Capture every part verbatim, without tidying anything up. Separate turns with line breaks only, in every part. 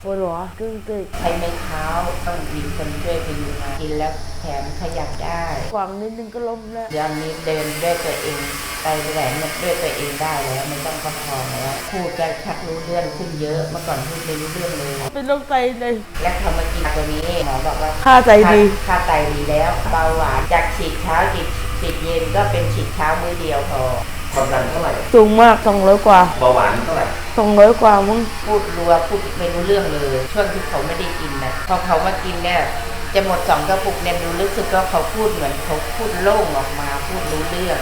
ปวดหัวตึงตึก
ใช้ไม้เท้าต้องมีคนช่วยพยุงมากินแล้วแขนขยับได้
กวางนิดนึงก็ล้มแล้ว
เดี๋ยวนี้เดินด้วยตัวเองไปแหลมด้วยตัวเองได้แล้วไม่ต้องประคองแล้วพูดก็ชักรู้เรื่องขึ้นเยอะเมื่อก่อนพูดไม่รู้เรื่องเลย
เป็นโรคไตเลย
และพอมากินตัวนี้หมอบอกว่า
ค่าไตดี
ค่าไตดีแล้วเบาหวานจากฉีดเช้าฉีดฉีดเย็นก็เป็นฉีดเช้ามื้อเดียวพอ
ความดันเท่าไหร่
สูงมากสองร้อยกว่า
เบาหวานเท่าไหร่
สองร้อยกว่ามึง
พูดรัวพูดไม่รู้เรื่องเลยช่วงที่เขาไม่ได้กินนะพอเขามากินเนี่ยจะหมดสองกระปุกเนี่ยรู้สึกว่าเขาพูดเหมือนเขาพูดโล่งออกมาพูดรู้เรื่อง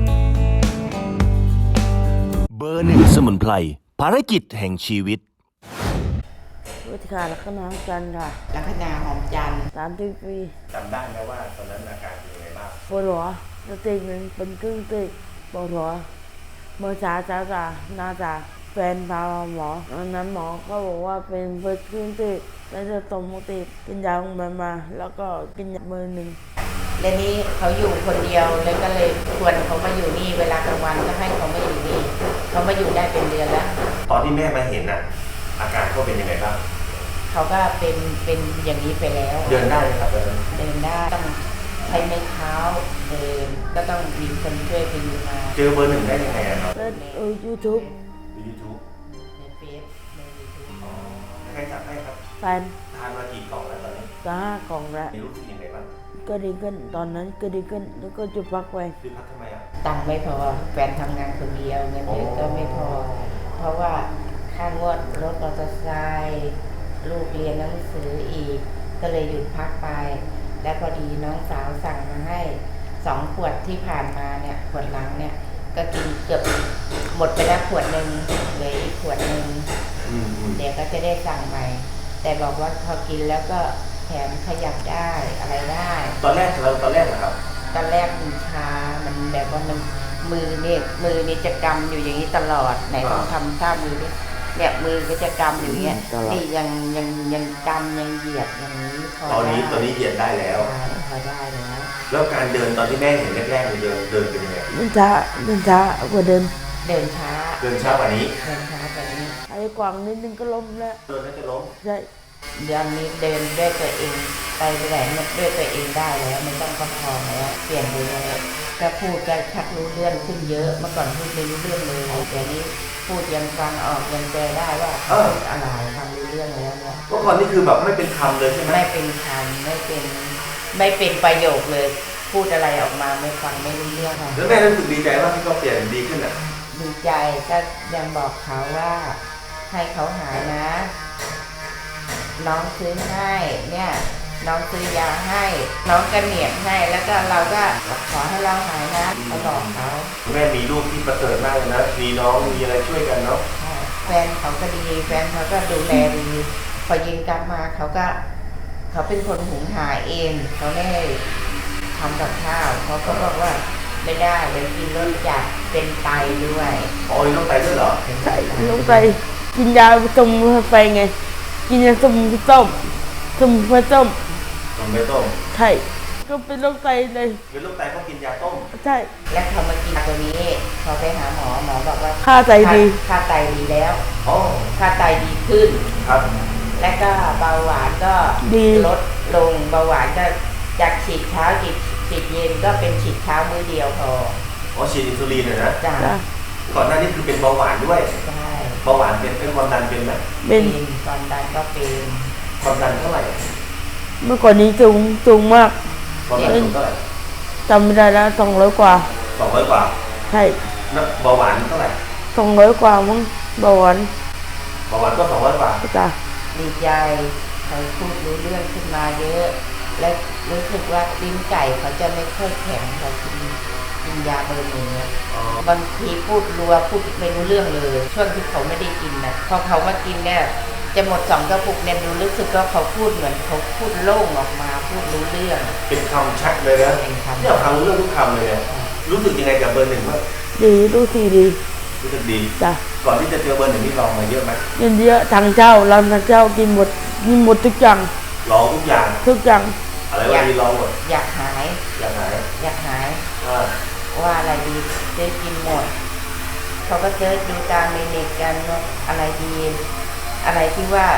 เบอร์หนึ่งสมุนไพรภารกิจแห่งชีวิต
วิธีการลักษณะจันทร์ค่ะ
ลักษณะหอมจันทร์
สามสิบปี
จำได้ไหมว่าตอนนั้นอาการเป็นยังไงบ้าง
ปวดหัวสติหนึ่งเป็นครึ่งตึกปวดหัวเมื่อเช้าเช้าจ้าน่าจะแฟนพาหมอตอนนั้นหมอก็บอกว่าเป็นเบิร์ดครึ่งตึกแล้วจะตมติดกินยาลงมามาแล้วก็กินยามือหนึ่ง
และนี้เขาอยู่คนเดียวเลยก็เลยชวนเขามาอยู่นี่เวลากลางวันก็ให้เขามาอยู่นี่เขามาอยู่ได้เป็นเดือนแล้ว
ตอนที่แม่มาเห็นน่ะอาการเขาเป็นยังไงบ้าง
เขาก็เป็นเป็นอย่างนี้ไปแล้ว
เดินได้ไหมครับเดิน
เดินได้ต้องใช้ไม้เท้าเดินก็ต้องมีคนช่วยพยุงมา
เจอเบอร์หนึ่งได้ยังไงครับ
เออยูทูบ
ยูทูบ
ในเฟซในยูทูบ
ใครจับให้ครับ
แฟน
ทานมากี่กล่องแล้วตอนนี้
จะห้ากล่องแล้ว
รู้สึกยังไงบ้าง
ก็ดีขึ้นตอนนั้นก็ดีขึ้นแล้วก็จะพักไป
คือพักทำไมอ่ะ
ตังค์ไม่พอแฟนทำงานคนเดียวเงินเดือนก็ไม่พอเพราะว่าค่างวดรถมอเตอร์ไซค์ลูกเรียนหนังสืออีกก็เลยหยุดพักไปและพอดีน้องสาวสั่งมาให้สองขวดที่ผ่านมาเนี่ยขวดหลังเนี่ยก็กินเกือบหมดไปแล้วขวดหนึ่งเหลืออีกขวดหนึ่งเดี๋ยวก็จะได้สั่งใหม่แต่บอกว่าพอกินแล้วก็แขนขยับได้อะไรได้
ตอนแรกเราตอนแรกนะครับ
ตอนแรกมันชามันแบบว่ามันมือเนี่ยมือนี่จะกำอยู่อย่างนี้ตลอดไหนลองทำท่ามือดิเนี่ยมือก็จะกำอยู่เงี้ยนี่ยังยังยังกำยังเหยียดอย่างนี้
พอตอนนี้ตอนนี้เหยียดได้แล้ว
พอได้แล้ว
แล้วการเดินตอนที่แม่เห็นแรกๆเดินเดินเป็นยังไง
เดินช้าเดินช้ากว่าเดิน
เดินช้า
เดินช้ากว่านี้
เดินช้ากว่านี้
ไอ้กวางนิดนึงก็ล้มแล้ว
เดินแล้วจะล้ม
ใช่
เดี๋ยวนี้เดินด้วยตัวเองไปแหลมด้วยตัวเองได้แล้วไม่ต้องประคองแล้วเปลี่ยนไปเลยก็พูดก็ชักรู้เรื่องขึ้นเยอะเมื่อก่อนพูดไม่รู้เรื่องเลยเดี๋ยวนี้พูดยังฟังออกยังแปลได้ว่าอะไรฟังรู้เรื่องแล้วเนี่ย
เมื่อก่อนนี่คือแบบไม่เป็นคำเลยใช่ไหม
ไม่เป็นคำไม่เป็นไม่เป็นประโยคเลยพูดอะไรออกมาไม่ฟังไม่รู้เรื่อง
แล้วแม่รู้สึกดีใจว่าที่เขาเปลี่ยนดีขึ้นอ่ะ
ดีใจก็ยังบอกเขาว่าให้เขาหายนะน้องซื้อให้เนี่ยน้องซื้อยาให้น้องกระเหนียดให้แล้วก็เราก็ขอให้เราหายนะเขาบอกเขา
แม่มีลูกที่ประเสริฐมากเลยนะมีน้องมีอะไรช่วยกันเนาะ
แฟนเขาก็ดีแฟนเขาก็ดูแลดีพอยิงกลับมาเขาก็เขาเป็นคนหุงหาเองเขาไม่ได้ทำกับข้าวเขาก็บอกว่าไม่ได้เดี๋ยวกินรสจัดเป็นไตด้วย
อ๋อมีโรคไตด้วยเหรอ
ใช่โรคไตกินยาสมุนไพรไงกินยาสมุนไพรต้มสมุนไพรต้ม
สมุนไพรต้ม
ใช่ก็เป็นโรคไตเลย
เป็นโรคไตเขากินยาต้ม
ใช่
และพอมากินตัวนี้พอไปหาหมอหมอบอกว่า
ค่าไตดี
ค่าไตดีแล้ว
อ๋อ
ค่าไตดีขึ้น
ครับ
และก็เบาหวานก็ลดลงเบาหวานก็จากฉีดเช้าฉีดฉีดเย็นก็เป็นฉีดเช้ามื้อเดียวพอ
อ๋อฉีดอินซูลินนะ
จ้ะ
ก่อนหน้านี้คือเป็นเบาหวานด้วย
ใช่
เบาหวานเป็นเป็นความดันเป็นไหม
เป็นความดันก็เป็น
ความดันเท่าไหร่
เมื่อก่อนนี้สูงสูงมาก
ความดันสูงเท่าไหร่
จำไม่ได้แล้วสองร้อยกว่า
สองร้อยกว่า
ใช่
เบาหวานเท่าไหร่
สองร้อยกว่ามั้งเบาหวาน
เบาหวานก็สองร้อยกว่า
จ้ะ
ดีใจเขาพูดรู้เรื่องขึ้นมาเยอะและรู้สึกว่าลิ้นไก่เขาจะไม่ค่อยแข็งเขากินกินยาเบอร์หนึ่งบางทีพูดรัวพูดไม่รู้เรื่องเลยช่วงที่เขาไม่ได้กินนะพอเขามากินเนี่ยจะหมดสองกระปุกเนี่ยรู้สึกว่าเขาพูดเหมือนเขาพูดโล่งออกมาพูดรู้เรื่อง
เป็นคำชัดเลยนะเนี่ยฟังรู้เรื่องทุกคำเลยเนี่ยรู้สึกยังไงกับเบอร์หนึ่งบ้าง
ดีรู้สึกดี
รู้สึกดี
จ้ะ
ก่อนที่จะเจอเบอร์หนึ่งนี่ลองมาเยอะไหม
เยอะทางเจ้าเราทางเจ้ากินหมดกินหมดทุกอย่าง
ลองทุกอย่าง
ทุกอย่าง
อะไรว่าดีลองหมด
อยากหาย
อยากหาย
อยากหายว่าอะไรดีเจ๊กินหมดเขาก็เจอดูตามในเน็ตกันว่าอะไรดีอะไรที่ว่า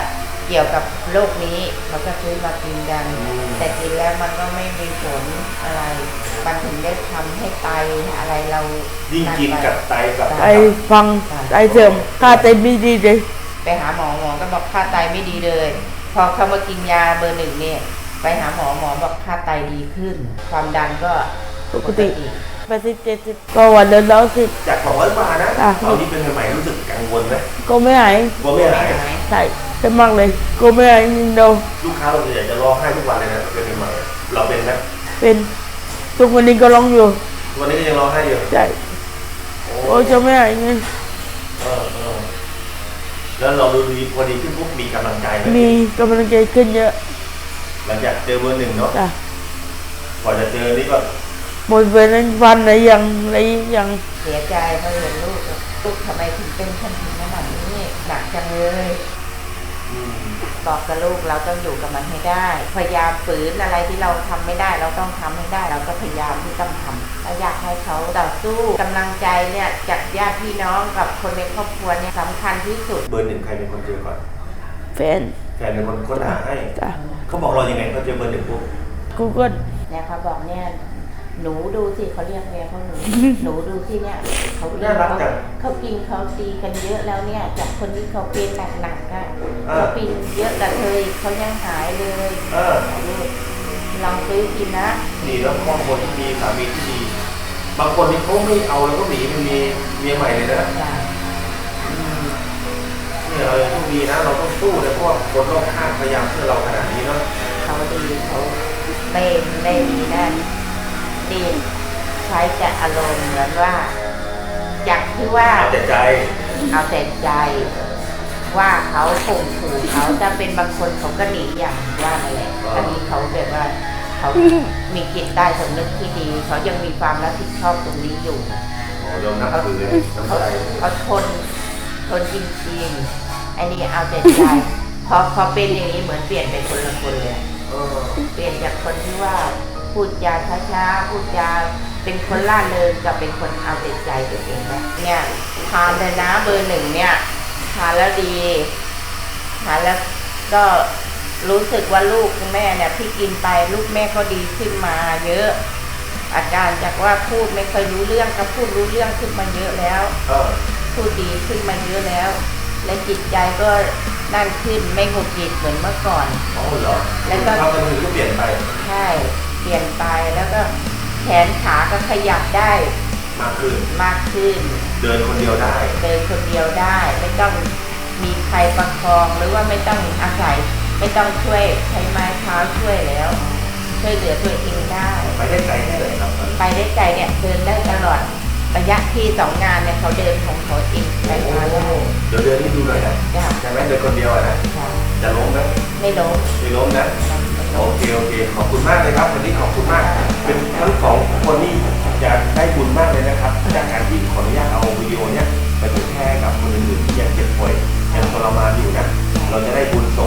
เกี่ยวกับโรคนี้เขาก็ซื้อมากินกัน แต่กินแล้วมันก็ไม่มีผลอะไรมันถึงได้ทำให้ไตอะไรเรา
ยิ่งกินกับไตกับ
ไตฟังไตเสื่อมค่าไตไม่ดีเลย
ไปหาหมอหมอก็บอกค่าไตไม่ดีเลย พอเขามากินยาเบอร์หนึ่งเนี่ยไปหาหมอหมอบอกค่าไตดีขึ้น ความดันก็
ปกติแปดสิบเจ็ดสิบก็วันเดินแล้วสิบ
จากสองร้อยกว่านะ
อ่ะ
ตอนนี้เป็นใหม่ๆรู้สึกกังวลไหม
ก็ไม่หาย
กลัวไม่หาย
ใช่เป็นมากเลยก็ไม่หายนิดเดียว
ลูกค้าเราส่วนใหญ่จะร้องไห้ทุกวันเลยนะเป็นใหม่ๆเราเป็นไหม
เป็นทุกวันนี้ก็ร้องอยู่
วันนี้ก็ยังร้องไห้อยู่
ใช่
โอ้
โอ้ยจะไม่หายไง
เออเออแล้วเราดูดีพอดีขึ้นปุ๊บมีกำลังใจไหม
มีกำลังใจขึ้นเยอะ
หลังจากเจอเบอร์หนึ่งเนาะ
จ้ะ
กว่าจะเจอนี่ก็
หมดเวรวันไหนยังไหนยัง
เสียใจเพราะเห็นลูกลูกทำไมถึงเป็นขั้นถึงขนาดนี้หนักจังเลย
อืม
บอกกับลูกเราต้องอยู่กับมันให้ได้ พยายามฝืนอะไรที่เราทำไม่ได้ เราต้องทำให้ได้ เราก็พยายามที่ต้องทำเราอยากให้เขาต่อสู้กำลังใจเนี่ยจากญาติพี่น้องกับคนในครอบครัวเนี่ยสำคัญที่สุด
เบอร์หนึ่งใครเป็นคนเจอก่อน
แฟน
แฟนเป็นคนค้นหาให้
จ้ะ
เขาบอกเรายังไงเขาเจอเบอร์หนึ่งปุ๊บ
กูก็
เนี่ยเขาบอกเนี่ยหนูดูสิเขาเรียกเมียเขาหนู หนูดูสิเนี่ยเขากิน
น่ารัก
เขา
จัง
เขากินเขาตีกันเยอะแล้วเนี่ยจากคนที่เขาเป็นหนักๆอ่ะ
อ่า
เขากินเยอะแต่เธอเขายังหายเลย
เออ
ลูกลองซื้อกินนะ
นี่แล้วบางคนที่มีสามีที่ดี บางคนที่เขาไม่เอาแล้วก็หนีไปมีเมียใหม่เลยนะ
จ้ะ
เนี่ยเราต้องดีนะ เราต้องสู้เลยเพราะว่าคนรอบข้างพยายามช่วยเราขนาดนี้เนาะ
เขาดีเขาไม่ไม่มีนั่นดีใช้แต่อารมณ์เหมือนว่าจากที่ว่า
เอาแต่ใจ
เอาแต่ใจว่าเขาข่มขู่เขาจะเป็นบางคนเขาก็หนีอย่างว่านั่นแหละอันนี้เขาแบบว่าเขามีจิตใต้สำนึกที่ดี เขายังมีความรับผิดชอบตรงนี้อยู่
โอ้ยอมนับถือเลยน้ำ
เขา
ใจ
เขาทนทนจริงๆอันนี้เอาแต่ใจพอพอเป็นอย่างนี้เหมือนเปลี่ยนเป็นคนละคนเลย
เออ
เปลี่ยนจากคนที่ว่าพูดจาช้าๆพูดจาเป็นคนล่าเริงกับเป็นคนเอาแต่ใจตัวเองนะเนี่ยทานเลยนะเบอร์หนึ่งเนี่ยทานแล้วดีทานแล้วก็รู้สึกว่าลูกแม่เนี่ยที่กินไปลูกแม่ก็ดีขึ้นมาเยอะ อาการจากว่าพูดไม่ค่อยรู้เรื่องก็พูดรู้เรื่องขึ้นมาเยอะแล้ว
เออ
พูดดีขึ้นมาเยอะแล้ว และจิตใจก็นั่นขึ้นไม่หงุดหงิดเหมือนเมื่อก่อน
อ๋อเหรอ
แล้วก็
ทำกันถึงก็เปลี่ยนไป
ใช่เปลี่ยนไปแล้วก็แขนขาก็ขยับได้
มากขึ้น
มากขึ้น
เดินคนเดียวได้
เดินคนเดียวได้ ไม่ต้องมีใครประคองหรือว่าไม่ต้องอาศัย ไม่ต้องช่วยใช้ไม้เท้าช่วยแล้ว ช่วยเหลือตัวเองได้
ไปได้ไกลแค่ไหนครับ
ไปได้ไกลเนี่ยเดินได้ตลอดระยะที่สองงานเนี่ยเขาเดินของเขาเองไปมาได้
เดี๋ยวเดินให้ดูหน่อยนะ
จ้ะ
ใช่ไหมเดินคนเดียวอะนะ
ค่ะ
จะล้มไหม
ไม่ล้ม
ไม่ล้มนะ
ไม่
โอ
ล้ม
เคโอเค ขอบคุณมากเลยครับวันนี้ขอบคุณมาก เป็นทั้งสองคนนี่จะได้บุญมากเลยนะครับ จากการที่ขออนุญาตเอาวิดีโอเนี้ยไปเผยแพร่กับคนอื่นๆที่ยังเจ็บป่วยยังทรมานอยู่นะ เราจะได้บุญส่ง